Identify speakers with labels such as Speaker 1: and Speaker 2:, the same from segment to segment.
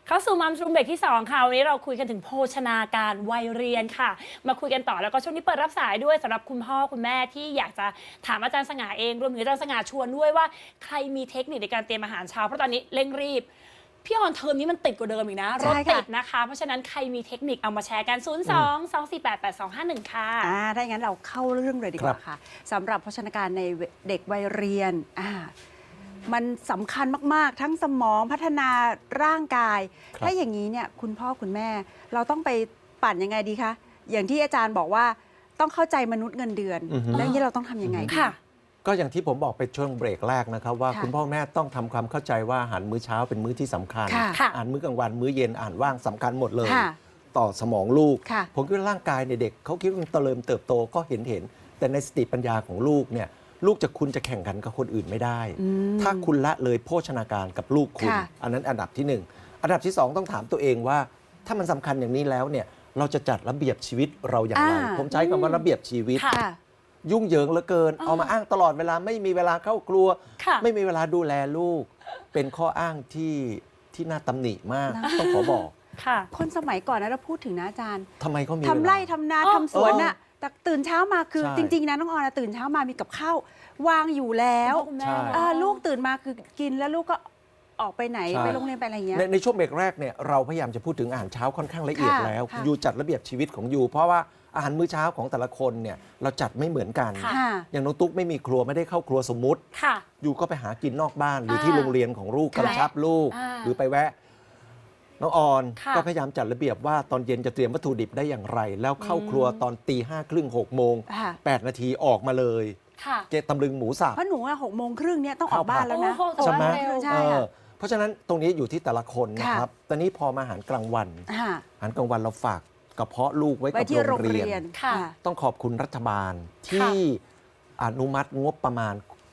Speaker 1: เข้าสู่มัมรูมเบรกที่2ค่ะวันนี้เราคุยกันถึงโภชนาการวัยเรียนค่ะมาคุยกันต่อแล้วก็ช่วงนี้เปิดรับสายด้วยสำหรับคุณพ่อคุณแม่ที่อยากจะถามอาจารย์สง่าเองรวมถึงอาจารย์สง่าชวนด้วยว่าใครมีเทคนิคในการเตรียมอาหารเช้าเพราะตอนนี้เร่งรีบพี่ออนเทอมนี้มันติดกว่าเดิมอีกนะรถติดนะคะเพราะฉะนั้นใครมีเทคนิคเอามาแชร์กัน 02-248-8251 ค่ะ
Speaker 2: ถ้าอย่างนั้นเราเข้าเรื่องเลยดีกว่าค่ะสำหรับโภชนาการในเด็กวัยเรียนมันสำคัญมากๆทั้งสมองพัฒนาร่างกายถ้าอย่างนี้เนี่ยคุณพ่อคุณแม่เราต้องไปปั่นยังไงดีคะอย่างที่อาจารย์บอกว่าต้องเข้าใจมนุษย์เงินเดือนแล้วนี้เราต้องทำยังไง
Speaker 1: ค่ะ
Speaker 3: ก็อย่างที่ผมบอกไปช่วงเบรกแรกนะครับว่าคุณพ่อแม่ต้องทำความเข้าใจว่าอาหารมื้อเช้าเป็นมื้อที่สำคัญอาหารมื้อกลางวันมื้อเย็นอาหารว่างสำคัญหมดเลยต่อสมองลูกผมคิดว่าร่างกายในเด็กเขาคิดว่ามันเติบโตก็เห็นแต่ในสติปัญญาของลูกเนี่ยลูกคุณจะแข่งขันกับคนอื่นไม่ได้ถ้าคุณละเลยโภชนาการกับลูกคุณอันนั้นอันดับที่1อันดับที่2ต้องถามตัวเองว่าถ้ามันสำคัญอย่างนี้แล้วเนี่ยเราจะจัดระเบียบชีวิตเราอย่างไรผมใช้คำว่าระเบียบชีวิตยุ่งเหยิงเหลือเกินเอามาอ้างตลอดเวลาไม่มีเวลาเข้าครัวไม่มีเวลาดูแลลูกเป็นข้ออ้างที่น่าตำหนิมากต้องขอบอก
Speaker 2: คนสมัยก่อนนะเราพูดถึงนะอาจารย์
Speaker 3: ทำไมเขามี
Speaker 2: ทำไร่ทำนาทำสวนน่ะแต่ตื่นเช้ามาคือจริงๆนะน้องออนตื่นเช้ามามีกับข้าววางอยู่แล้วลูกตื่นมาคือกินแล้วลูกก็ออกไปไหนไปโรงเรียนไปอะไรอย่างเงี้ย
Speaker 3: ในช่วงเบรกแรกเนี่ยเราพยายามจะพูดถึงอาหารเช้าค่อนข้างละเอียดแล้วยูจัดระเบียบชีวิตของยูเพราะว่าอาหารมื้อเช้าของแต่ละคนเนี่ยเราจัดไม่เหมือนกันอย่างน้องตุ๊กไม่มีครัวไม่ได้เข้าครัวสมมุติยูก็ไปหากินนอกบ้านหรือที่โรงเรียนของลูกกำชับลูกหรือไปแวะน้องออนก็พยายามจัดระเบียบว่าตอนเย็นจะเตรียมวัตถุดิบได้อย่างไรแล้วเข้าครัวตอน5:30 6 โมง 8 นาทีออกมาเลยเจตำลึงหมูสับ
Speaker 2: เพราะหนู6 โมงครึ่งเนี่ยต้องออกบ้านแล้วนะ
Speaker 3: ใช่ไหมเพราะฉะนั้นตรงนี้อยู่ที่แต่ละคนนะครับตอนนี้พอมาอาหารกลางวันอาหารกลางวันเราฝากกระเพาะลูกไว้กับโรงเรียนต้องขอบคุณรัฐบาลที่อนุมัติงบประมาณ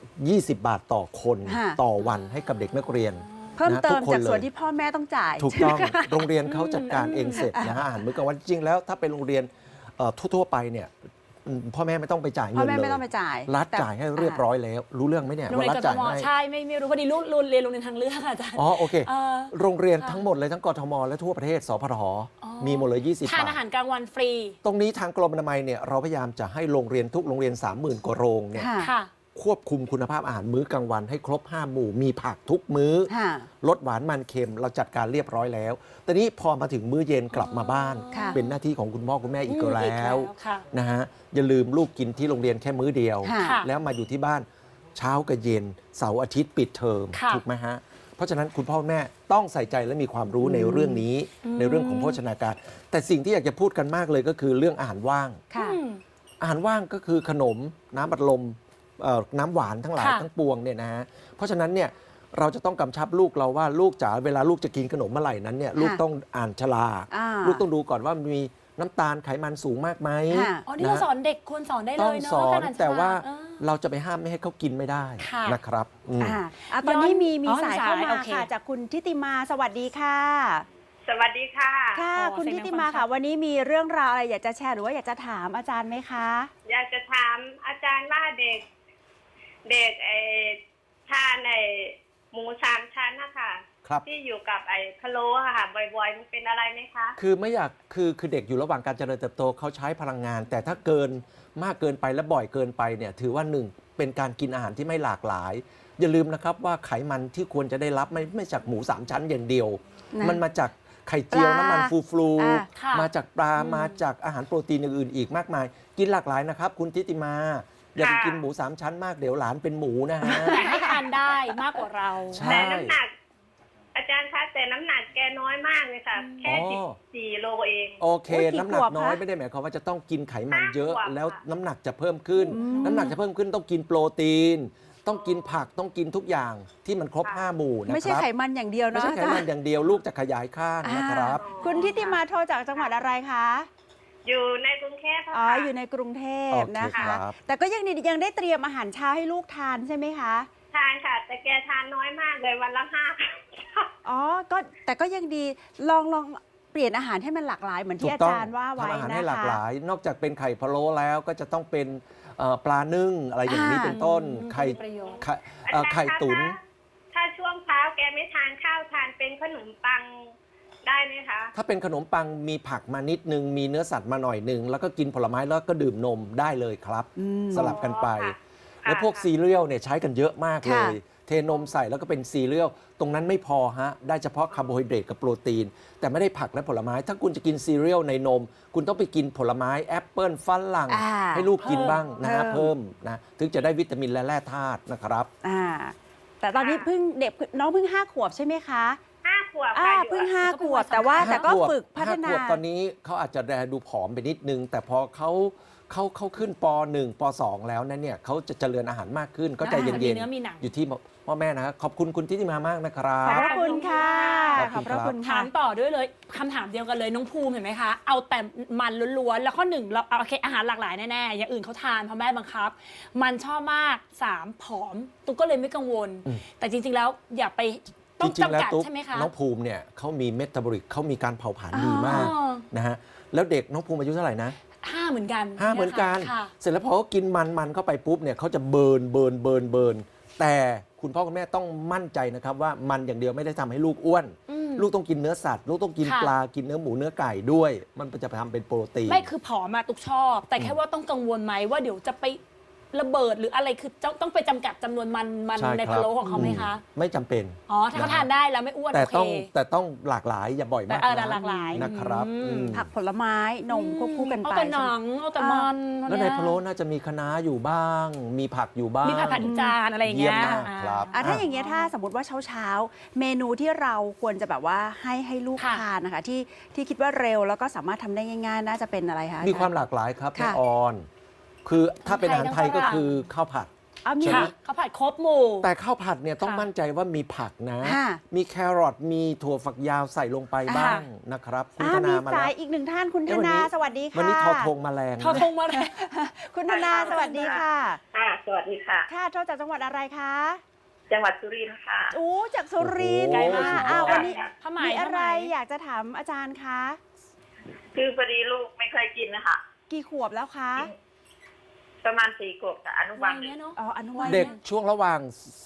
Speaker 3: 20 บาทต่อคนต่อวันให้กับเด็กนักเรียน
Speaker 2: เพิ่มเติมจากส่วนที่พ่อแม่ต้องจ่าย
Speaker 3: ถูกต้องโรงเรียนเขาจัดการเองเสร็จนะฮะอาหารมื้อกลางวันจริงแล้วถ้าเป็นโรงเรียนทั่วๆไปเนี่ยพ่อแม่ไม่ต้องไปจ่ายเงินเลย
Speaker 2: พ่อแม่ไม่ต้องไปจ่าย
Speaker 3: รัฐจ่ายให้เรียบร้อยแล้วรู้เรื่องไหมเนี่ยว่ารัฐจ่ายให้
Speaker 1: ใช่ไม่รู้พอดีลูกเรียนโรงเรียนทางเลือกอาจารย์
Speaker 3: โอเคโรงเรียนทั้งหมดเลยทั้งกทมและทั่วประเทศสพทมีหมดเลย20 บาท
Speaker 1: ทานอาหารกลางวันฟรี
Speaker 3: ตรงนี้ทางกรมอนามัยเนี่ยเราพยายามจะให้โรงเรียนทุกโรงเรียน 30,000 กว่าโรงเนี่ยควบคุมคุณภาพอาหารมื้อกลางวันให้ครบ5 หมู่มีผักทุกมื้อลดหวานมันเค็มเราจัดการเรียบร้อยแล้วตอนนี้พอมาถึงมื้อเย็นกลับมาบ้านเป็นหน้าที่ของคุณพ่อคุณแม่อีกแล้วนะฮะอย่าลืมลูกกินที่โรงเรียนแค่มื้อเดียวแล้วมาอยู่ที่บ้านเช้ากับเย็นเสาร์อาทิตย์ปิดเทอมถูกไหมฮะเพราะฉะนั้นคุณพ่อแม่ต้องใส่ใจและมีความรู้ในเรื่องนี้ในเรื่องของโภชนาการแต่สิ่งที่อยากจะพูดกันมากเลยก็คือเรื่องอาหารว่างอาหารว่างก็คือขนมน้ำอัดลมน้ำหวานทั้งหลายทั้งปวงเนี่ยนะฮะเพราะฉะนั้นเนี่ยเราจะต้องกำชับลูกเราว่าลูกจ๋าเวลาลูกจะกินขนมเมื่อไหร่นั้นเนี่ยลูกต้องอ่านฉลากลูกต้องดูก่อนว่ามีน้ำตาลไขมันสูงมากไหม
Speaker 1: นี่เราสอนเด็กควรสอนได้เลย
Speaker 3: เนาะต้องสอนแต่ว่าเราจะไปห้ามไม่ให้เขากินไม่ได้นะครับ
Speaker 2: ตอนนี้มีสายเข้ามาค่ะจากคุณทิติมาสวัสดีค่ะ
Speaker 4: สวัสดีค่ะ
Speaker 2: ค่ะคุณทิติมาค่ะวันนี้มีเรื่องราวอะไรอยากจะแชร์หรือว่าอยากจะถามอาจารย์ไหมคะ
Speaker 4: อยากจะถามอาจารย์ว่าเด็กทานหมู3 ชั้นนะคะที่อยู่กับพะโล้ค่ะบ่อยๆมันเป็นอะไรไหมคะ
Speaker 3: คือไม่อยากคือเด็กอยู่ระหว่างการเจริญเติบโตเขาใช้พลังงานแต่ถ้าเกินมากเกินไปและบ่อยเกินไปเนี่ยถือว่า1เป็นการกินอาหารที่ไม่หลากหลายอย่าลืมนะครับว่าไขมันที่ควรจะได้รับไม่จากหมู3 ชั้นอย่างเดียวมันมาจากไข่เจียวน้ำมันฟูมาจากปลามาจากอาหารโปรตีนอื่นๆอีกมากมายกินหลากหลายนะครับคุณทิติมาอย่าไปกินหมู3 ชั้นมากเดี๋ยวหลานเป็นหมูนะฮะ
Speaker 1: แต่ให้ทานได้มากกว่าเรา
Speaker 4: แต่น้ำหนักอาจารย์คะแต่น้ำหนักแกน้อยมากเลยค่ะแค่14 โลเอง
Speaker 3: โอเคน้ำหนักน้อยไม่ได้หมายความว่าจะต้องกินไขมันเยอะแล้วน้ำหนักจะเพิ่มขึ้นน้ำหนักจะเพิ่มขึ้นต้องกินโปรตีนต้องกินผักต้องกินทุกอย่างที่มันครบ5 หมู่นะครับ
Speaker 2: ไม่ใช่ไขมันอย่างเดียวนะ
Speaker 3: ไม่ใช่ไขมันอย่างเดียวลูกจะขยายข้างนะครับ
Speaker 2: คุณทิติมาโทรจากจังหวัดอะไรคะ
Speaker 4: อยู่ในกรุงเทพค่ะ
Speaker 2: อยู่ในกรุงเทพนะคะแต่ก็ยังได้เตรียมอาหารเช้าให้ลูกทานใช่ไหมคะ
Speaker 4: ทานค่ะแต่แกทานน้อยมากเลยวันละ5
Speaker 2: ก็แต่ก็ยังดีลองเปลี่ยนอาหารให้มันหลากหลายเหมือนที่อาจารย์ว่าไว้นะคะ
Speaker 3: ทำอาหารให้หลากหลายนอกจากเป็นไข่พะโล้แล้วก็จะต้องเป็นปลานึ่งอะไรอย่างนี้เป็นต้นไข่ตุ๋น
Speaker 4: ถ้าช่วงเช้าแกไม่ทานข้าวทานเป็นขนมปังได้ไหมคะ
Speaker 3: ถ้าเป็นขนมปังมีผักมานิดนึงมีเนื้อสัตว์มาหน่อยนึงแล้วก็กินผลไม้แล้วก็ดื่มนมได้เลยครับ สลับกันไป
Speaker 4: อ๋อค่ะ
Speaker 3: แล้วพวก
Speaker 4: ค่ะ
Speaker 3: ซีเรียลเนี่ยใช้กันเยอะมากเล
Speaker 2: ค่ะ
Speaker 3: ย เทนมใส่แล้วก็เป็นซีเรียลตรงนั้นไม่พอฮะได้เฉพาะคาร์โบไฮเดรตกับโปรตีน แต่ไม่ได้ผักและผลไม้ ถ้าคุณจะกินซีเรียลในนม คุณต้องไปกินผลไม้แอปเปิลฝรั่ง
Speaker 2: อ่า
Speaker 3: ให้ลูกกินบ้างนะฮะ
Speaker 2: เพิ่
Speaker 3: เพิ่
Speaker 2: ม
Speaker 3: มนะถึงจะได้วิตามินและแร่ธาตุนะครับ
Speaker 2: แต่ตอนนี้เพิ่งเด็กน้องเพิ่ง5 ขวบใช่ไหมคะ
Speaker 4: 5 ขวบค่ะอยู่
Speaker 2: เพิ่ง
Speaker 4: อะ
Speaker 2: 5 ขวบแต่ว่าแต่ก็
Speaker 3: ห้าขวบ
Speaker 2: ฝึกพัฒนา
Speaker 3: ห้ขวบตอนนี้เขาอาจจะแลดูผอมไปนิดนึง แต่พอเขาขึ้นป .1 ป .2 แล้วนั้นเนี่ยเขาจะเจริญอาหารมากขึ้นก็ใจเย็
Speaker 1: มี
Speaker 3: น
Speaker 1: เนื้อมีหนัง
Speaker 3: ๆ อยู่ที่พ่อแม่นะครับขอบคุณคุณทิติมามากนะครั
Speaker 2: ขอบบ พระคุณค่ะ ข
Speaker 3: ข
Speaker 2: อ
Speaker 3: อ
Speaker 2: บบ พ
Speaker 3: คุณครับ
Speaker 2: ระคุณ
Speaker 1: ถา
Speaker 2: ค่ะ
Speaker 1: มต่อด้วยเลยคำถามเดียวกันเลยน้องภูมิเห็นไหมคะ เอาแต่มันล้วนๆแล้วข้อหนึ่งเราเอาโอเคอาหารหลากหลายแน่ๆอย่างอื่นเขาทานเพราะแม่บังคับ มันชอบมาก3ผอมตุ๊กก็เลยไม่กังวล แต่จริงๆแล้วอย่าไปต้
Speaker 3: จ
Speaker 1: อง
Speaker 3: ริงๆแล้ว
Speaker 1: จำกัด
Speaker 3: ตุ๊ก
Speaker 1: ใช่ไหมคะ
Speaker 3: น้องภูมิเนี่ยเขามีเมตาบอลิกเขามีการเผาผลาญดีมาก
Speaker 1: อ๋อ
Speaker 3: นะฮะแล้วเด็กน้องภูมิอายุเท่าไหร่นะ
Speaker 1: 5เหมือนกัน
Speaker 3: 5เหมือนกัน
Speaker 1: ค่ะ
Speaker 3: เสร็จแล้วพอเขากินมันเข้าไปปุ๊บเนี่ยเขาจะเบิร์นแต่คุณพ่อคุณแม่ต้องมั่นใจนะครับว่ามันอย่างเดียวไม่ได้ทำให้ลูกอ้วน
Speaker 1: อืม
Speaker 3: ลูกต้องกินเนื้อสัตว์ ลูกต้องกิน
Speaker 1: ค่ะ
Speaker 3: ปลากินเนื้อหมูเนื้อไก่ด้วย มันจะไปทำเป็นโปรตีน
Speaker 1: ไม่คือผอมมาตุกชอบ แต่แค่ว่าต้องกังวลไหมว่าเดี๋ยวจะไประเบิดหรืออะไรคือต้องไปจำกัดจำนวนมัน
Speaker 3: ใช่
Speaker 1: ใน
Speaker 3: ค
Speaker 1: พะ
Speaker 3: รับ
Speaker 1: โล้ของเขาไหมคะ
Speaker 3: ไม่จำเป็น
Speaker 1: อ๋อถ้าเขาทานได้แล้วไม่อ้วน
Speaker 3: แต่
Speaker 1: โอเค
Speaker 3: ต้องหลากหลายอย่าบ่อย
Speaker 1: แต่
Speaker 3: มาก
Speaker 1: แต่
Speaker 3: นะ
Speaker 1: หลากหลาย
Speaker 3: นะครับ
Speaker 1: อืม
Speaker 2: ผักผลไม้นมควบคู่กัน
Speaker 1: เอา
Speaker 2: ไป
Speaker 1: แต่หนังเอาแต่มัน
Speaker 3: แล้วในพะโล้น่าจะมีคะน้าอยู่บ้าง มีผักอยู่บ้าง
Speaker 1: มีผัดจานอะไรอย่างเงี้ย
Speaker 3: เยี่ยมมากครับ
Speaker 2: ถ้าอย่างเงี้ยถ้าสมมติว่าเช้าเมนูที่เราควรจะแบบว่าให้ลูก
Speaker 1: ค่ะ
Speaker 2: ทานนะคะที่คิดว่าเร็วแล้วก็สามารถทำได้ง่ายๆ น่าจะเป็นอะไรคะ
Speaker 3: มีความหลากหลายครับ
Speaker 2: ค่ะ
Speaker 3: แม่ออน คือถ้าเป็นอาหารไทยก็คือข้าวผัด
Speaker 2: มี
Speaker 3: ใช่ไหม
Speaker 1: ค่ะเขาผัดครบหมู่
Speaker 3: แต่ข้าวผัดเนี่ยต้อง
Speaker 1: ค่ะ
Speaker 3: มั่นใจว่ามีผักนะ
Speaker 2: ค่ะ
Speaker 3: มีแครอทมีถั่วฝักยาวใส่ลงไปบ้างนะครับคุณธ
Speaker 2: มี
Speaker 3: นามา
Speaker 2: สา
Speaker 3: แล้
Speaker 2: ยว อีกหนึ่งท่านคุณธ
Speaker 3: เอ้ยวันนี้
Speaker 2: นาสวัสดีค่ะ
Speaker 3: วันนี้ทอทงแมลง
Speaker 1: ทอ
Speaker 3: นะ
Speaker 1: ทงมาเลย
Speaker 2: คุณธนาสวัสดีค่ะ
Speaker 4: ค่ะสวัสดีค่ะ
Speaker 2: ค่ะโทรจากจังหวัดอะไรคะ
Speaker 4: จังหวัดสุรินทร์ค่ะ
Speaker 2: อู้จากสุรินทร์
Speaker 3: โอ้โห
Speaker 2: ค่ะ
Speaker 3: สุดยอด
Speaker 2: วันนี้
Speaker 1: ผ้าไหม
Speaker 2: มีอะไร
Speaker 1: ผ้าไหม
Speaker 2: อยากจะถามอาจารย์คะ
Speaker 4: คือพอดีลูกไม่เคยกินนะคะ
Speaker 2: กี่ขวบแล้วคะ
Speaker 4: ประมาณ4 ขวบกับอนุบา
Speaker 1: วั
Speaker 4: ล
Speaker 1: ย
Speaker 4: หนึ่
Speaker 1: เนี้ย
Speaker 4: ง
Speaker 1: เนาะ
Speaker 2: อ๋ออนุบาล
Speaker 3: เด็กช่วงระหว่าง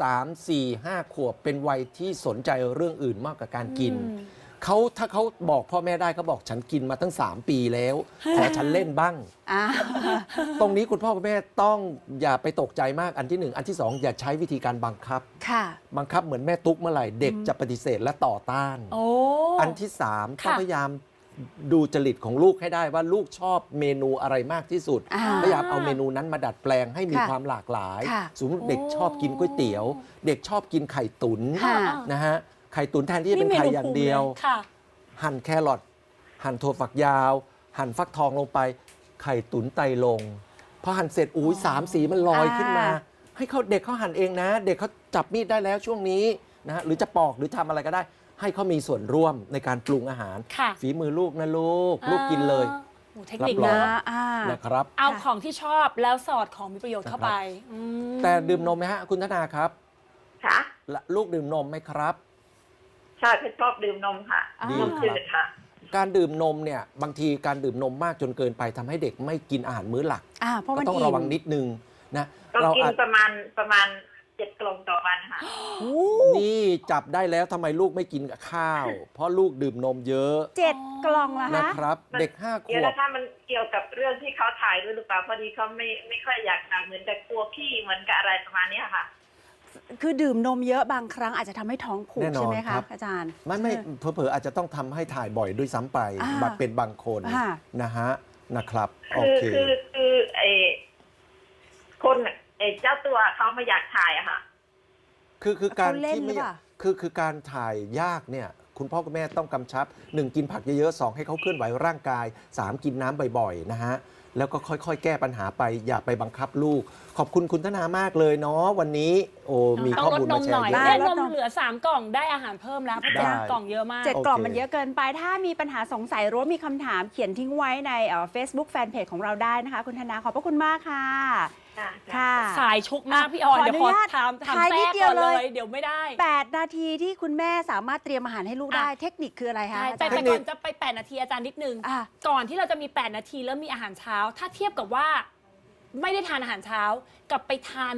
Speaker 3: 3 4 5 ขวบเป็นวัยที่สนใจเรื่องอื่นมากกว่าการกิน ถ้าเขาบอกพ่อแม่ได้เขาบอกฉันกินมาตั้ง 3 ปีแล้ว ขอฉันเล่นบ้าง
Speaker 2: อ่า
Speaker 3: ตรงนี้คุณพ่อคุณแม่ต้องอย่าไปตกใจมากอันที่ 1 อันที่ 2 อย่าใช้วิธีการบังคับ
Speaker 2: ค่ะ
Speaker 3: บังคับเหมือนแม่ตุ๊กเมื่อไหร่เด็กจะปฏิเสธและต่อต้าน
Speaker 1: โอ้
Speaker 3: อันที่ 3 ต้อง
Speaker 1: ค่ะ
Speaker 3: พยายามดูจริตของลูกให้ได้ว่าลูกชอบเมนูอะไรมากที่สุด
Speaker 2: อ่า
Speaker 3: พยายามเอาเมนูนั้นมาดัดแปลงให้มี
Speaker 2: ค่ะ
Speaker 3: ความหลากหลาย
Speaker 2: ค่ะ
Speaker 3: สมมติเด็กชอบกินก๋วยเตี๋ยว เด็กชอบกินไข่ตุ๋น
Speaker 2: ค่ะ
Speaker 3: นะฮะไข่ตุ๋นแทนที่จะเป็นไข่อย่างเดียว
Speaker 1: ค่ะ
Speaker 3: หั่นแครอทหั่นถั่วฝักยาว หั่นฟักทองลงไป ไข่ตุ๋นไตลงพอหั่นเสร็จอุ้ยสามสีมันลอยขึ้นมา ให้เขาเด็กเขาหั่นเองนะ เด็กเขาจับมีดได้แล้วช่วงนี้นะฮะหรือจะปอกหรือทำอะไรก็ได้ ให้เขามีส่วนร่วมในการปรุงอาหาร
Speaker 1: ค่ะ
Speaker 3: ฝีมือลูกนะลูกกินเลย
Speaker 1: โอ้เทคนิค
Speaker 3: รับรอง
Speaker 1: นะ
Speaker 3: นะครับ
Speaker 1: เอาของที่ชอบแล้วสอดของมีประโยชน์เข้าไปอืม
Speaker 3: แต่ดื่มนมไหมฮะคุณธนาครับ
Speaker 4: ค่ะ
Speaker 3: และลูกดื่มนมไหมครับ
Speaker 4: ใช่ชอบดื่มนมค่ะ
Speaker 2: ดี
Speaker 4: นมจืดค่ะ
Speaker 3: การดื่มนมเนี่ยบางทีการดื่มนมมากจนเกินไปทำให้เด็กไม่กินอาหารมื้อหลัก
Speaker 2: เพราะ
Speaker 3: ก็
Speaker 2: มัน
Speaker 3: ต้อง
Speaker 2: อิ่ม
Speaker 3: ระวังนิดนึงนะ
Speaker 4: ก็
Speaker 3: เรา
Speaker 4: กิน
Speaker 3: อาจ
Speaker 4: ประมาณ7 กล่องต่อวันค่ะ
Speaker 3: นี่จับได้แล้วทำไมลูกไม่กินกับข้าว เพราะลูกดื่มนมเยอะ
Speaker 2: 7 กล่องเหรอ
Speaker 3: นะ
Speaker 2: คะ
Speaker 3: ครับ เด็ก 5 ข
Speaker 4: เดี๋ยว
Speaker 3: วบ
Speaker 4: นะถ้ามันเกี่ยวกับเรื่องที่เขาถ่ายด้วยหรือเปล่าพอดีเขาไม่ค่อยอยากทานเหมือนกับกลัวพี่เหมือนกับอะไรประมาณเนี้ยค่ะ
Speaker 2: คือดื่มนมเยอะบางครั้งอาจจะทำให้ท้องผูก
Speaker 3: แน่นอน
Speaker 2: ใช่ไหม
Speaker 3: ครั
Speaker 2: คะ
Speaker 3: บ
Speaker 2: อาจารย์
Speaker 3: ไม่เผลอๆอาจจะต้องทำให้ถ่ายบ่อยด้วยซ้ำไป
Speaker 2: อ่า
Speaker 3: บัดเป็นบางคน
Speaker 2: ค่ะ
Speaker 3: นะฮะนะครับโอ
Speaker 4: คือ
Speaker 3: เค
Speaker 4: คือไอ้คนไอ้เจ้าตัวเขาไม่อยากถ่ายอะค่ะ
Speaker 3: คือการ
Speaker 2: เขาเล่น
Speaker 3: ที่ไม่
Speaker 2: หรือเปล่า
Speaker 3: คือการถ่ายยากเนี่ยคุณพ่อคุณแม่ต้องกำชับ 1 กินผักเยอะๆ2ให้เขาเคลื่อนไหวร่างกาย 3 กินน้ำบ่อยๆนะฮะแล้วก็ค่อยๆ แก้ปัญหาไปอย่าไปบังคับลูก ขอบคุณคุณธนามากเลยเนาะวันนี้โอ้มี
Speaker 1: ต้อ
Speaker 3: ข้อง
Speaker 1: ลด
Speaker 3: มูล
Speaker 1: น
Speaker 3: มาม แช
Speaker 1: หน่
Speaker 3: ร์
Speaker 1: อย
Speaker 3: เยอะ
Speaker 1: ได้
Speaker 2: ล
Speaker 1: น
Speaker 2: ด
Speaker 1: ม
Speaker 2: นม
Speaker 1: เหลือ3 กล่องได้อาหารเพิ่มแล้วเพราะ
Speaker 3: ได้
Speaker 1: 7 กล่องเยอะมาก
Speaker 2: 7
Speaker 3: โอเค
Speaker 2: กล่องมันเยอะเกินไป ถ้ามีปัญหาสงสัยหรือว่ามีคำถามเขียนทิ้งไว้ในFacebook Fanpage ของเราได้นะคะ คุณธนาขอบพระคุณมากค่ะ ค่ะ
Speaker 1: สายชุกมากพี่ออน
Speaker 2: ขอ
Speaker 1: เดี๋ยว
Speaker 2: อนุ
Speaker 1: ขอ
Speaker 2: ญาต
Speaker 1: ถาม
Speaker 2: ท้าย
Speaker 1: แทร
Speaker 2: นิด
Speaker 1: ก
Speaker 2: เดียว
Speaker 1: ก่อนเล
Speaker 2: เลย
Speaker 1: ย เดี๋ยวไม่ได้
Speaker 2: 8 นาทีที่คุณแม่สามารถเตรียมอาหารให้ลูกได้ เทคนิคคืออะไรคะ
Speaker 1: ใช่
Speaker 2: อา
Speaker 1: แต่
Speaker 2: จารย์
Speaker 1: ก่อนจะไป8 นาทีอาจารย์นิดนึง
Speaker 2: อ่ะ
Speaker 1: ก่อนที่เราจะมี8 นาทีแล้วมีอาหารเช้า ถ้าเทียบกับว่าไม่ได้ทานอาหารเช้ากับไปทานแบบ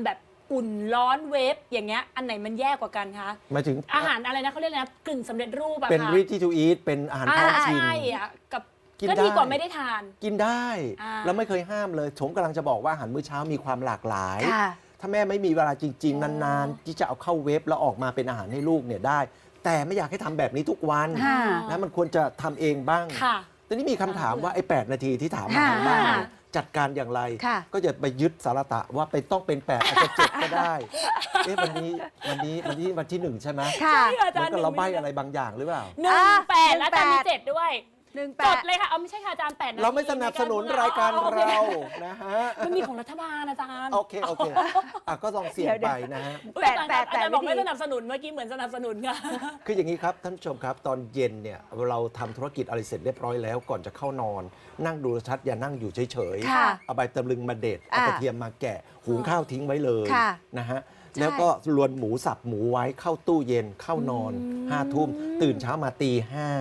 Speaker 1: อุ่นร้อนเวฟอย่างเงี้ยอันไหนมันแย่กว่ากันคะ
Speaker 3: หมายถึง
Speaker 1: อาหารอะไรนะเขาเรียกอะไรนะกึ่งสำเร็จรูปอะ
Speaker 3: เป็น
Speaker 1: ค่ะ
Speaker 3: ready to eat เป็นอาหารพร้อมชิม
Speaker 1: ใช่อะกับ
Speaker 3: กิน
Speaker 1: ก็
Speaker 3: ได้
Speaker 1: ดีกว่าไม่ได้ทาน
Speaker 3: กินได้
Speaker 1: อ่า
Speaker 3: แล้วไม่เคยห้ามเลยผมกำลังจะบอกว่าอาหารมื้อเช้ามีความหลากหลาย
Speaker 2: ค่ะ
Speaker 3: ถ้าแม่ไม่มีเวลาจริง ๆ นานๆ ที่จะเอาเข้าเว็บแล้วออกมาเป็นอาหารให้ลูกเนี่ยได้ แต่ไม่อยากให้ทำแบบนี้ทุกวัน
Speaker 2: ค่ะ
Speaker 3: นะมันควรจะทำเองบ้าง
Speaker 1: ค่ะ
Speaker 3: ทีนี้มีคำถามว่าไอ้8นาทีที่ถามมา
Speaker 2: ค่ะ
Speaker 3: ทางบ้านเนี่ยจัดการอย่างไร
Speaker 2: ค่ะ
Speaker 3: ก็จะไปยึดสารตะว่าเป็นต้องเป็น 8 อาจจะ 7 ก็ได้เอ๊ะวันที่ 1 ใช่ไหม
Speaker 2: ค่ะ
Speaker 1: ใช่ค่ะ
Speaker 3: เหมือนกับเราใบอะไรบางอย่างหรือเปล่า
Speaker 1: 18แล้วอาจารย์มี 7 ด้วย
Speaker 2: 18
Speaker 1: จดเลยค่ะเอาไม่ใช่ค่ะอาจารย์8นาที
Speaker 3: เราไม่สนับสนุนรายการ
Speaker 1: โอค
Speaker 3: เรานะฮะ
Speaker 1: มันมีของรัฐบาลอาจารย์
Speaker 3: โอเคก็ลองเสี่ยงไปนะฮะ
Speaker 1: อุ๊ยอาจารย์
Speaker 2: แปด
Speaker 1: อาจารย์บอก
Speaker 2: วิธี
Speaker 1: ไม่สนับสนุนเมื่อกี้เหมือนสนับสนุนค่ะ
Speaker 3: คืออย่างนี้ครับท่านผู้ชมครับตอนเย็นเนี่ยเราทำธุรกิจอะไรเสร็จเรียบร้อยแล้วก่อนจะเข้านอน นั่งดูโทรทัศน์อย่านั่งอยู่เฉย
Speaker 2: ค่ะ
Speaker 3: เอาใบตำลึงมาเด็ดเอากระเทียมมาแกะหุงข้าวทิ้งไว้เลย
Speaker 2: ค่ะ
Speaker 3: นะฮะแล้วก็รวนหมูสับหมูไว้เข้าตู้เย็นเข้านอน5 ทุ่มตื่นเช้ามาตี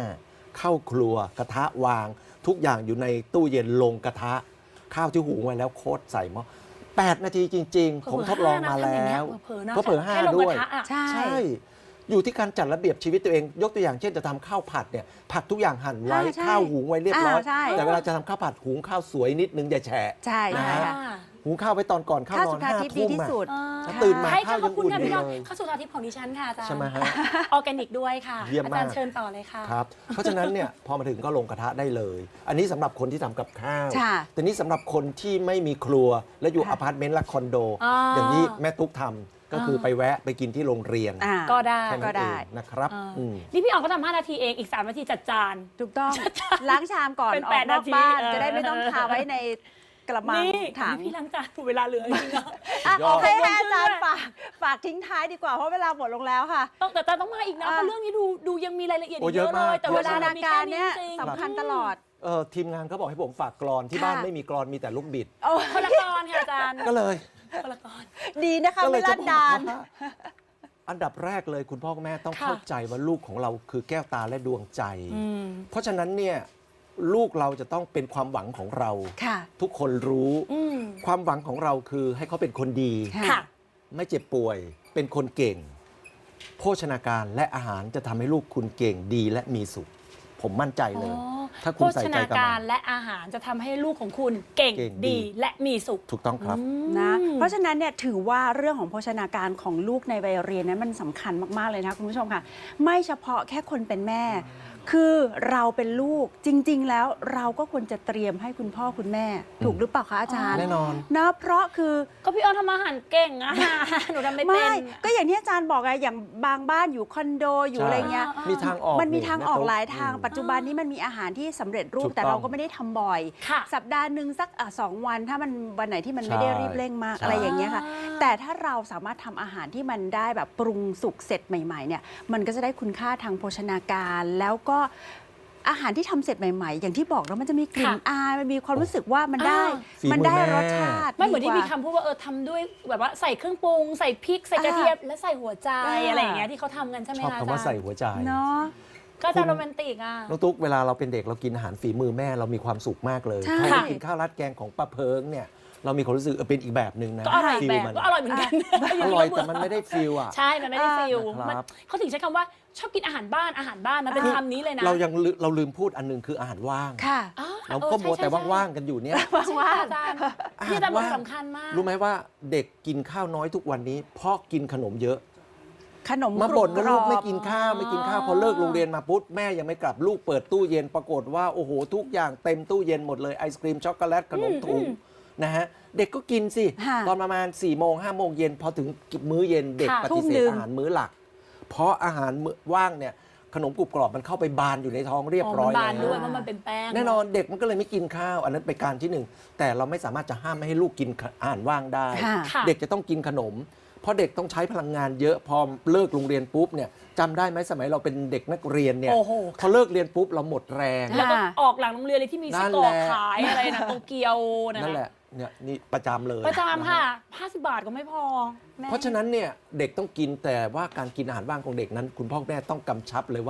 Speaker 3: 5เข้าครัวกระทะวาง ทุกอย่างอยู่ในตู้เย็นลงกระทะข้าวที่หุงไว้แล้วโคตรใส่หม้อ8 นาทีจริง ๆ ผมทดลองมาแล้ว
Speaker 1: เผลอๆนะ
Speaker 3: ก็เผลอ
Speaker 1: แค่ลง
Speaker 3: 5 ด้
Speaker 1: ก
Speaker 3: วย
Speaker 1: ระทะอะ
Speaker 2: ใช่
Speaker 3: ใช่ อยู่ที่การจัดระเบียบชีวิตตัวเอง ยกตัวอย่างเช่นจะทำข้าวผัดเนี่ยผักทุกอย่างหั่นไว้
Speaker 2: ใช่
Speaker 3: ข้าวหุงไว้เรียบร้อย
Speaker 2: ใช่
Speaker 3: แต่เวลาจะทำข้าวผัดหุงข้าวสวยนิดนึงอย่าแฉะ
Speaker 2: ใช่
Speaker 3: นะ
Speaker 2: ใช่
Speaker 3: ฮะ
Speaker 2: ค่ะ
Speaker 3: หุงข้าวไว้ตอนก่อนเข้า
Speaker 2: ข้าวน
Speaker 3: อ
Speaker 2: สุ
Speaker 3: น
Speaker 2: ธา
Speaker 3: 5
Speaker 2: ทิพย์ดี
Speaker 3: ทุ่ม
Speaker 2: ที่
Speaker 3: อะ
Speaker 2: สุด
Speaker 3: แล้วตื่นมา
Speaker 1: ใช่
Speaker 3: ข้า
Speaker 1: ค่ะ
Speaker 3: ว
Speaker 1: ขอบ
Speaker 3: ยัง
Speaker 1: คุณ
Speaker 3: อุ่น
Speaker 1: ค่ะ
Speaker 3: อยู่
Speaker 1: พี่น้อง
Speaker 3: เลย
Speaker 1: ข้าวสุธาทิพย์ของดิฉันค่ะอาจารย์
Speaker 3: ใช่ไหมฮะ
Speaker 1: ออร์แกนิกด้วยค่ะ
Speaker 3: เยี่ยมมาก
Speaker 1: อาจารย์เชิญต่อเลยค่ะ
Speaker 3: ครับ เพราะฉะนั้นเนี่ยพอมาถึงก็ลงกระทะได้เลย อันนี้สำหรับคนที่ทำกับข้าว
Speaker 2: ค่ะ
Speaker 3: แต่นี่สำหรับคนที่ไม่มีครัวและอยู่
Speaker 2: ค่ะ
Speaker 3: อพาร์ตเมนต์และคอนโด
Speaker 1: อ่า
Speaker 3: อย่างนี้แม่ตุ๊กทำก็คือไปแวะไปกินที่โรงเรียน
Speaker 2: อ่า
Speaker 1: ก็ได้
Speaker 3: แค่
Speaker 2: ก็
Speaker 3: นั้น
Speaker 2: ได้
Speaker 3: เองนะครับ
Speaker 1: อ่า
Speaker 3: อืม
Speaker 1: นี่พี่ออกก็ทำ5 นาทีเองอีก 3 นาทีจัดจาน
Speaker 2: ถูกต้อง ล้างชามก่อน
Speaker 1: เป็น
Speaker 2: ออก
Speaker 1: 8
Speaker 2: นอกบ้าน
Speaker 1: นาที
Speaker 2: จะได้ไม่ต้องคาไว้ในกระมัง
Speaker 1: นี่
Speaker 2: ถัง
Speaker 1: พี่ล้างจานเวลาเหลือจริงๆอะ
Speaker 2: อ่ะ
Speaker 3: ยอด
Speaker 2: ให้อาจารย์ฝากทิ้งท้ายดีกว่าเพราะเวลาหมดลงแล้วค่ะ
Speaker 1: แต่อาจารย์ต้องมาอีกนะ
Speaker 2: อ่ะ
Speaker 1: เพราะเรื่องนี้ดูยังมีรายละเอียด
Speaker 3: โอ้
Speaker 1: อีกเยอะ
Speaker 3: เยอะ
Speaker 1: เล
Speaker 3: มาก
Speaker 1: ยแต่
Speaker 2: โภ
Speaker 1: เว
Speaker 2: ช
Speaker 1: ลา
Speaker 2: นา
Speaker 1: มี
Speaker 2: การ
Speaker 1: แค่
Speaker 2: เนี่ย
Speaker 1: จริงๆ
Speaker 2: สำคัญตลอด
Speaker 3: ทีมงานเขาบอกให้ผมฝากกรอนที่
Speaker 2: ค่ะ
Speaker 3: บ้านไม่มีกรอนมีแต่ลูกบิด
Speaker 2: โอ้
Speaker 1: คนละกรค่ะอาจารย์
Speaker 3: ก็เลย
Speaker 1: คนละกร
Speaker 2: ดีนะคะ
Speaker 3: ก็เล
Speaker 2: ไม่
Speaker 3: ยจะ
Speaker 2: ลั่น
Speaker 3: บอก
Speaker 2: ดาน
Speaker 3: ว่าอันดับแรกเลยคุณพ่อคุณแม่ต้อง
Speaker 1: ค่ะ
Speaker 3: เข้าใจว่าลูกของเราคือแก้วตาและดวงใจ
Speaker 1: อืม
Speaker 3: เพราะฉะนั้นเนี่ยลูกเราจะต้องเป็นความหวังของเรา
Speaker 2: ค่ะ
Speaker 3: ทุกคนรู้
Speaker 1: อืม
Speaker 3: ความหวังของเราคือให้เขาเป็นคนดี
Speaker 1: ค่ะ
Speaker 3: ไม่เจ็บป่วย เป็นคนเก่ง โภชนาการและอาหารจะทำให้ลูกคุณเก่งดีและมีสุข ผมมั่นใจเลย ถ้าคุณใส่ใจ
Speaker 1: โภชนา
Speaker 3: กับ
Speaker 1: การ
Speaker 3: มัน
Speaker 1: และอาหารจะทำให้ลูกของคุณเก่ง
Speaker 3: เก่งดี
Speaker 1: ดีและมีสุข
Speaker 3: ถูกต้องครับ
Speaker 2: นะ เพราะฉะนั้นเนี่ยถือว่าเรื่องของโภชนาการของลูกในวัยเรียนนั้นมันสำคัญมากๆเลยนะคุณผู้ชมค่ะ ไม่เฉพาะแค่คนเป็นแม่ คือเราเป็นลูกจริง ๆ แล้วเราก็ควรจะเตรียมให้คุณพ่อคุณแม่ ถูกหรือเปล่าคะอาจารย์
Speaker 3: แน่นอน
Speaker 2: นะเพราะคือ
Speaker 1: ก็พี่ออนทำอาหารเก่งอะ หนูทำไม่เป็น
Speaker 2: ไม่ก็อย่างที่อาจารย์บอกไงอย่างบางบ้านอยู่คอนโดอยู่
Speaker 3: ใช่
Speaker 2: อะไรเงี้ย
Speaker 3: มีทางออก
Speaker 2: มันมีทางออก
Speaker 3: แตุ๊
Speaker 2: หลายทาง
Speaker 3: อืม
Speaker 2: ปัจจุบันนี้มันมีอาหารที่สำเร็จรู
Speaker 3: ถู
Speaker 2: ป
Speaker 3: ก
Speaker 2: แต่
Speaker 3: ต้อง
Speaker 2: เราก็ไม่ได้ทำบ่อย
Speaker 1: ค่ะ
Speaker 2: สัปดาห์หนึ่งสัก2 วันถ้ามันวันไหนที่มันไม่ได้
Speaker 3: ใช่
Speaker 2: รีบเร่งมาก
Speaker 3: ใช่
Speaker 2: อะไรอย่างเงี้ยค่ะ แต่ถ้าเราสามารถทำอาหารที่มันได้แบบปรุงสุกเสร็จใหม่ๆเนี่ยมันก็จะได้คุณค่าทางโภชนาการแล้วก็อาหารที่ทำเสร็จใหม่ๆ อย่างที่บอกแล้วมันจะมีกลิ่น
Speaker 1: ค่ะ
Speaker 2: อายมันมีความรู้สึกว่ามันได้
Speaker 3: ฝีมือ
Speaker 2: มันได้
Speaker 3: แม่
Speaker 2: รสชาติ
Speaker 1: ไม่เหมือนที่
Speaker 2: ดี
Speaker 1: มี
Speaker 2: กว่า
Speaker 1: คำพูดว่าทำด้วยแบบว่าใส่เครื่องปรุง ใส่พริกใส่กระเทียมและใส่หัวใจ
Speaker 2: อ่า
Speaker 1: อะไรอย่างเงี้ยที่เขาทำกันใช่ไหม
Speaker 3: ชอบ
Speaker 1: คะ
Speaker 3: คำว่า
Speaker 1: อาจารย์
Speaker 3: ใส่หัวใจ
Speaker 2: เนาะ
Speaker 1: ก็จะโรแมนติกอ่ะ
Speaker 3: น้องตุ๊กเวลาเราเป็นเด็กเรากินอาหารฝีมือแม่เรามีความสุขมากเลย
Speaker 2: ใช่
Speaker 3: ถ้าเรากินข้าวราดแกงของป้าเพิงเนี่ยเรามีความรู้สึกเป็นอีกแบบหนึ่งนะ
Speaker 1: ก็อร่อย
Speaker 3: ฟิล
Speaker 1: แบบ
Speaker 3: มัน
Speaker 1: ก็อร่อยเหมือนกัน
Speaker 3: อร่อยแต่มันไม่ได้ฟิลอ่ะ
Speaker 1: ใช่ มันไม่ได้ฟิล
Speaker 3: ครับ
Speaker 1: มันเขาถึงใช้คำว่าชอบกินอาหารบ้านมันเป็นคำนี้เลยนะ
Speaker 3: เราลืมพูดอันหนึงคืออาหารว่าง
Speaker 2: ค่ะ
Speaker 1: อ๋อ
Speaker 3: เราก็
Speaker 1: ออ
Speaker 3: มัว
Speaker 1: ใช่
Speaker 3: แต่
Speaker 1: ใช่
Speaker 3: ว่างๆกันอยู่เนี่ย
Speaker 1: ใช่ค่ะอาจารย์ที่อาจารย์บอกสำคัญมาก
Speaker 3: รู้ไหมว่าเด็กกินข้าวน้อยทุกวันนี้ เพราะกินขนมเยอะ
Speaker 2: ขนม
Speaker 3: มาบ่นว่าลูกไม่กิน
Speaker 2: รอบ
Speaker 3: ข้าวไม่กินข้าวพอเลิกโรงเรียนมาปุ๊บแม่ยังไม่กลับลูกเปิดตู้เย็นปรากฏว่าโอ้โหทุกอย่างเต็มตู้เย็นหมดเลยไอศครีมช็อกโกแลตขนมถุงนะฮะเด็กก็กินสิ
Speaker 2: ค่ะ
Speaker 3: ตอนประมาณ4 โมง 5 โมงเย็นพอถึงมื้อเย็นเด็ก
Speaker 1: ค่ะ
Speaker 3: ปฏิ
Speaker 2: ทุ่ม
Speaker 3: เส
Speaker 2: หนึ่
Speaker 3: ธ
Speaker 2: ง
Speaker 3: อาหารมื้อหลัก เพราะอาหารมื้อว่างเนี่ยขนมกรุบกรอบมันเข้าไปบานอยู่ในท้องเรียบร้อย
Speaker 1: มันบาน
Speaker 3: แล้ว
Speaker 1: ด้วยเพราะมันเป็นแป้ง
Speaker 3: แน่นอนเด็กมันก็เลยไม่กินข้าว อันนั้นเป็นการที่หนึ่งแต่เราไม่สามารถจะห้ามไม่ให้ลูกกินอาหารว่างได้
Speaker 2: ค่ะ
Speaker 1: ค่ะ
Speaker 3: เด็กจะต้องกินขนม เพราะเด็กต้องใช้พลังงานเยอะพอเลิกโรงเรียนปุ๊บเนี่ยจำได้ไหมสมัยเราเป็นเด็กนักเรียนเนี่ย
Speaker 1: โอ้โห
Speaker 3: พอเลิกเรียนปุ๊บเราหมดแรง
Speaker 1: แล้วก็ออกหลังโรงเรียนเลยที่มีไส้กรอกขายอะไรนะโตเกียวนะ
Speaker 3: นั่นแหละเนี่ยนี่ประจำเลย
Speaker 1: ประจำค่ะ
Speaker 3: นฮ
Speaker 1: 50 บาทก็ไม่พอแม่
Speaker 3: เพราะฉะนั้นเนี่ยเด็กต้องกินแต่ว่าการกินอาหารว่างของเด็กนั้น คุณพ่อคุณแม่ต้องกำชับเลยว่า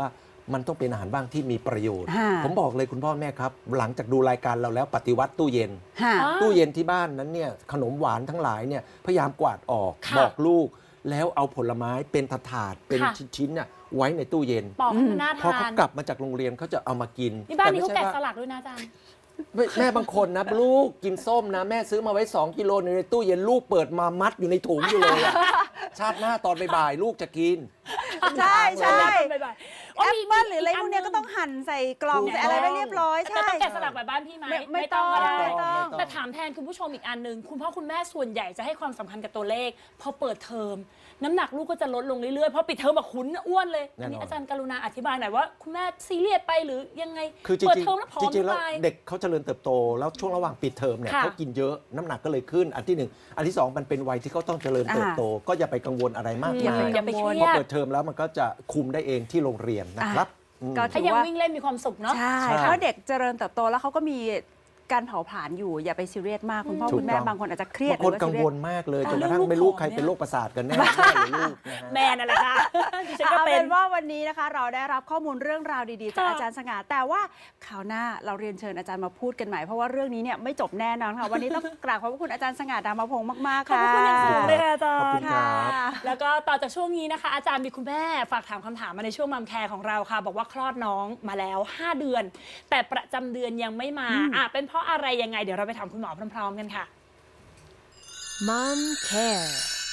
Speaker 3: มันต้องเป็นอาหารบ้างที่มีประโยชน์
Speaker 2: ค่ะ
Speaker 3: ผมบอกเลยคุณพ่อแม่ครับ หลังจากดูรายการเราแล้วปฏิวัติตู้เย็น
Speaker 2: ค่ะ
Speaker 1: อ๋อ
Speaker 3: ตู้เย็นที่บ้านนั้นเนี่ยขนมหวานทั้งหลายเนี่ยพยายามกวาดออก
Speaker 1: ค่ะ
Speaker 3: บอกลูก แล้วเอาผลไม้เป็นถาดๆเป็น
Speaker 1: ค่ะ
Speaker 3: ชิ้นๆน่ะไว้ในตู้เย็น
Speaker 1: ปอกให้มันน่า
Speaker 3: พอ
Speaker 1: ทา
Speaker 3: เขา
Speaker 1: น
Speaker 3: กลับมาจากโรงเรียนเขาจะเอามากิน
Speaker 1: นี่บ้านนี้
Speaker 3: แต่
Speaker 1: เขา
Speaker 3: ไม่
Speaker 1: แกะ
Speaker 3: ใช่
Speaker 1: ส
Speaker 3: ว่า
Speaker 1: ลักด้วยนะอาจารย์
Speaker 3: แม่บางคนนะลูกกินส้มนะ แม่ซื้อมาไว้ 2 กิโลในตู้เย็นลูกเปิดมามัดอยู่ในถุงอยู่เลยอะ ชาติหน้าตอนบ่ายๆลูกจะกิน
Speaker 2: ใช่ใช่
Speaker 1: บ่ายๆ
Speaker 2: แอปเปิ้ลหรืออะไรพวกเนี้ยก็ต้องหั่นใส่กล่อง
Speaker 3: ถูก
Speaker 2: ใส่อะไรไว้เรียบร้อย
Speaker 1: แต่
Speaker 2: ใช่
Speaker 1: ต้องแกะสลักแบบบ้านพี่ไหม
Speaker 2: ไม่ต้อง
Speaker 1: ก็ได้
Speaker 2: ไม่ต้อง
Speaker 1: แต่ถามแทนคุณผู้ชมอีกอันหนึ่งคุณพ่อคุณแม่ส่วนใหญ่จะให้ความสำคัญกับตัวเลขพอเปิดเทอมน้ำหนักลูกก็จะลดลงเรื่อยๆเพราะปิดเทอมมาคุ้นอ้วนเลย
Speaker 3: แน่นอน
Speaker 1: อันนี้อาจารย์กรุณาอธิบายหน่อยว่าคุณแม่ซีเรียสไปหรือยังไง
Speaker 3: คือจริ
Speaker 1: เปิด
Speaker 3: ง
Speaker 1: เทอมแล้วผอ
Speaker 3: ๆจ
Speaker 1: ม
Speaker 3: ริงๆแล้ว
Speaker 1: ไป
Speaker 3: เด็กเขาเจริญเติบโต แล้วช่วงระหว่างปิดเทอมเนี่ย
Speaker 1: ค่ะ
Speaker 3: เขากินเยอะน้ำหนักก็เลยขึ้น อันที่หนึ่งอันที่สองมันเป็นวัยที่เขาต้องเจริญเติบโต ก็อย่าไปกังวลอะไรมาก
Speaker 2: อย่า
Speaker 3: มา
Speaker 2: ไป
Speaker 3: ย
Speaker 1: อย่าไปเครี
Speaker 3: พอย
Speaker 1: ด
Speaker 3: เปิดเทอมแล้วมันก็จะคุมได้เองที่โรงเรียนนะครับอืม
Speaker 2: ก็
Speaker 1: ถ้ายังวิ่งเล่นมีความสุขเนาะ
Speaker 2: ใช่
Speaker 3: ใช่
Speaker 2: เพราะเด็กเจริญเติบโตแล้วเขาก็มีการเผาผลาญอยู่อย่าไปซีเรียสมากคุณพ่อ
Speaker 3: ถูก
Speaker 2: คุณแม่
Speaker 3: ต้อง
Speaker 2: บางคนอาจจะเครียด
Speaker 3: บางคน
Speaker 2: หรือ
Speaker 3: กัง
Speaker 2: ซีเรี
Speaker 3: วย
Speaker 2: ส
Speaker 3: ลมากเลย
Speaker 1: เอา
Speaker 3: จนกระทั่ง
Speaker 1: เรื่อง
Speaker 3: ไม่รู้
Speaker 1: ลูก
Speaker 3: ใคร
Speaker 1: ผอม
Speaker 3: เป็น
Speaker 1: เนี่ย
Speaker 3: โรคประสาทกันแน่ แม่หรือลูกนะฮะ
Speaker 1: แม่นั่นแหละค่ะดิฉันก็
Speaker 2: เอา
Speaker 1: เป็
Speaker 2: เป็น นว่าวันนี้นะคะ เราได้รับข้อมูลเรื่องราวดีๆจาก
Speaker 1: ค่ะ
Speaker 2: อาจารย์สง่าแต่ว่าคราวหน้าเราเรียนเชิญอาจารย์มาพูดกันใหม่เพราะว่าเรื่องนี้เนี่ยไม่จบแน่นอนค่ะวันนี้ต้องกราบขอบพระคุณอาจารย์สง่าดามพงศ์มากๆ
Speaker 1: ขอบ
Speaker 2: ค่ะ
Speaker 1: คุณอย่างสูงเลยค่ะอาจา
Speaker 3: ขอบคุ
Speaker 1: ร
Speaker 3: ณ
Speaker 1: ย์
Speaker 3: ครับ
Speaker 1: แล้วก็ต่อจากช่วงนี้นะคะ อาจารย์มีคุณแม่ฝากถามคำถามมาในช่วงมัมแคร์ของเราค่ะ บอกว่าคลอดน้องมาแล้ว 5 เดือน แต่ประจำเดือนยังไม่มาเป็นเพราะอะไรยังไงเดี๋ยวเราไปถามคุณหมอพร้อมๆกันค่ะ
Speaker 5: Mom Care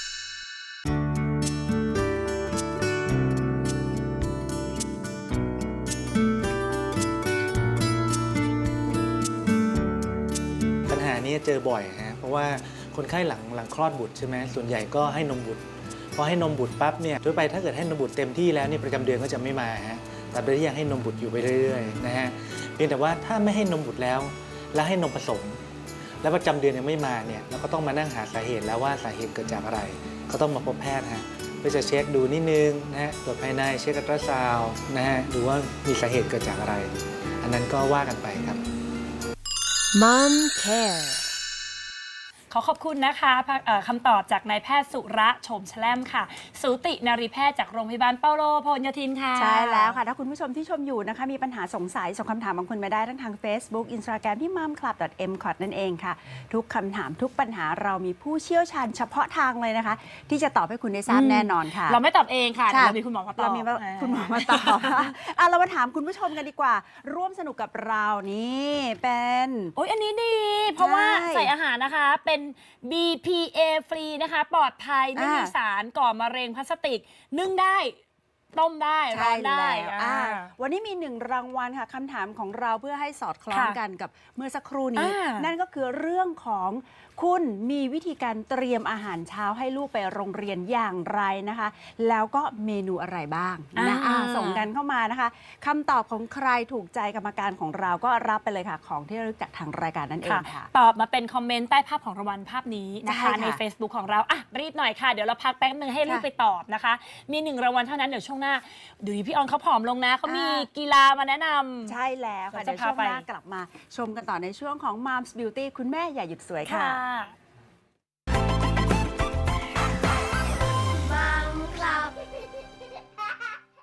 Speaker 6: ปัญหานี้เจอบ่อยฮะเพราะว่าคนไข้หลังคลอดบุตรใช่ไหมส่วนใหญ่ก็ให้นมบุตรพอให้นมบุตรปั๊บเนี่ยโดยไปถ้าเกิดให้นมบุตรเต็มที่แล้วเนี่ยประจำเดือนก็จะไม่มาฮะแต่โดยที่ยังให้นมบุตรอยู่ไปเรื่อยๆนะฮะเพียงแต่ว่าถ้าไม่ให้นมบุตรแล้วให้นมผสม แล้วประจำเดือนยังไม่มาเนี่ยเราก็ต้องมานั่งหาสาเหตุแล้วว่าสาเหตุเกิดจากอะไรก็ต้องมาพบแพทย์ฮะเพื่อจะเช็คดูนิดนึงนะฮะตรวจภายในเช็คอัลตราซาวด์นะฮะดูว่ามีสาเหตุเกิดจากอะไร อันนั้นก็ว่ากันไปครับ
Speaker 5: Mom Care
Speaker 1: ขอขอบคุณนะคะคำตอบจากนายแพทย์สุระโฉมแชล่มค่ะ สูตินารีแพทย์จากโรงพยาบาลเปาโลพหลโยธินค่ะ
Speaker 2: ใช่แล้วค่ะ ถ้าคุณผู้ชมที่ชมอยู่นะคะ มีปัญหาสงสัยส่งคำถามบางคนมาได้ทั้งทาง Facebook Instagram ที่ momclub.mcot นั่นเองค่ะ ทุกคำถามทุกปัญหาเรามีผู้เชี่ยวชาญเฉพาะทางเลยนะคะ ที่จะตอบให้คุณได้ทราบแน่นอนค่ะ
Speaker 1: เราไม่ตอบเองค่ะ
Speaker 2: ใช่
Speaker 1: เรามีคุณหมอมาตอบ
Speaker 2: เรามีคุณหมอมาตอบเรามาถามคุณผู้ชมกันดีกว่า ร่วมสนุกกับเรานี่เป็น
Speaker 1: โอ้ยอันนี้ดี เพราะว่า
Speaker 2: ใช่
Speaker 1: ใส่อาหารนะคะเป็น BPA ฟรีนะคะ ปลอดภัยไม่มีสารก่อมะเร็งพลาสติก นึ่งได้ ต้มได้ร้
Speaker 2: ใช่
Speaker 1: อนได้
Speaker 2: แล้ว
Speaker 1: อ่า
Speaker 2: วันนี้มี1รางวัลค่ะคำถามของเราเพื่อให้สอดคล้อง
Speaker 1: ค่ะ
Speaker 2: กันกับเมื่อสักครู่นี้
Speaker 1: อ่านั่
Speaker 2: นั่นก็คือเรื่องของคุณมีวิธีการเตรียมอาหารเช้าให้ลูกไปโรงเรียนอย่างไรนะคะ แล้วก็เมนูอะไรบ้างนะส่งกันเข้ามานะคะคำตอบของใครถูกใจกรรมการของเราก็รับไปเลยค่ะ ของที่ระลึกจากทางรายการนั่นเองค่ะ
Speaker 1: ตอบมาเป็นคอมเมนต์ใต้ภาพของรางวัลภาพนี้นะคะ
Speaker 2: ใช่ค่ะ
Speaker 1: ใน Facebook ของเราอ่ะรีบหน่อยค่ะ เดี๋ยวเราพักแป๊บนึงให้ลูก
Speaker 2: ค่ะ
Speaker 1: ไปตอบนะคะ มี1รางวัลเท่านั้นเดี๋ยวช่วงหน้าดูพี่ออนเขาผอมลงนะเขามีกีฬามาแนะนำ
Speaker 2: ใช่แล้วค่ะ
Speaker 1: เดี๋
Speaker 2: เดี๋
Speaker 1: ย
Speaker 2: ยว ว
Speaker 1: จะพา
Speaker 2: ช่วงหน้ากลับมาชมกันต่อในช่วงของ Moms Beauty คุณแม่อย่าหยุดสวยค่ะ
Speaker 1: ค่ะ